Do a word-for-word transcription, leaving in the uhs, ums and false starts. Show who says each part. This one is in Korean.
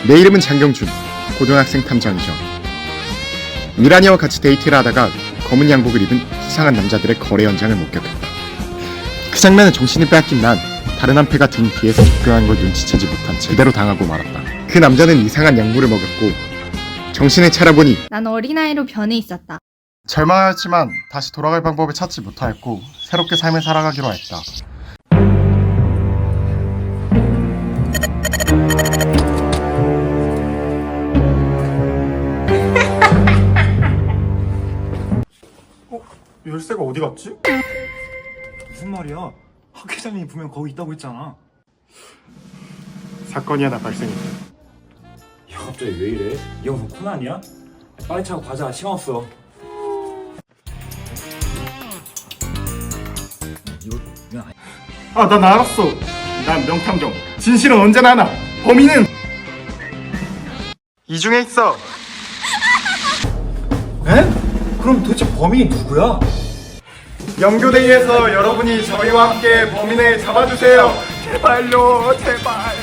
Speaker 1: 내 이름은 장경준, 고등학생 탐정이죠. 미란이와 같이 데이트를 하다가 검은 양복을 입은 수상한 남자들의 거래 현장을 목격했다. 그 장면에 정신이 빼앗긴 난 다른 한 패가 등 뒤에서 접근한 걸 눈치채지 못한 채 그대로 당하고 말았다. 그 남자는 이상한 약물을 먹였고 정신을 차려보니
Speaker 2: 난 어린아이로 변해 있었다.
Speaker 1: 절망하였지만 다시 돌아갈 방법을 찾지 못하였고 새롭게 삶을 살아가기로 했다.
Speaker 3: 어? 열쇠가 어디 갔지?
Speaker 4: 무슨 말이야? 학 회장님이 분명 거기 있다고 했잖아.
Speaker 3: 사건이 하나 발생했다.
Speaker 4: 야, 갑자기 왜 이래? 이 형 무슨 코난이야? 빨리 차고 가자. 시간 없어. 이거 그냥 아니-
Speaker 3: 아, 난 알았어. 난 명탐정. 진실은 언제나 하나. 범인은 이 중에 있어.
Speaker 4: 에? 그럼 도대체 범인이 누구야?
Speaker 3: 영교대회에서 여러분이 저희와 함께 범인을 잡아주세요. 제발요, 제발.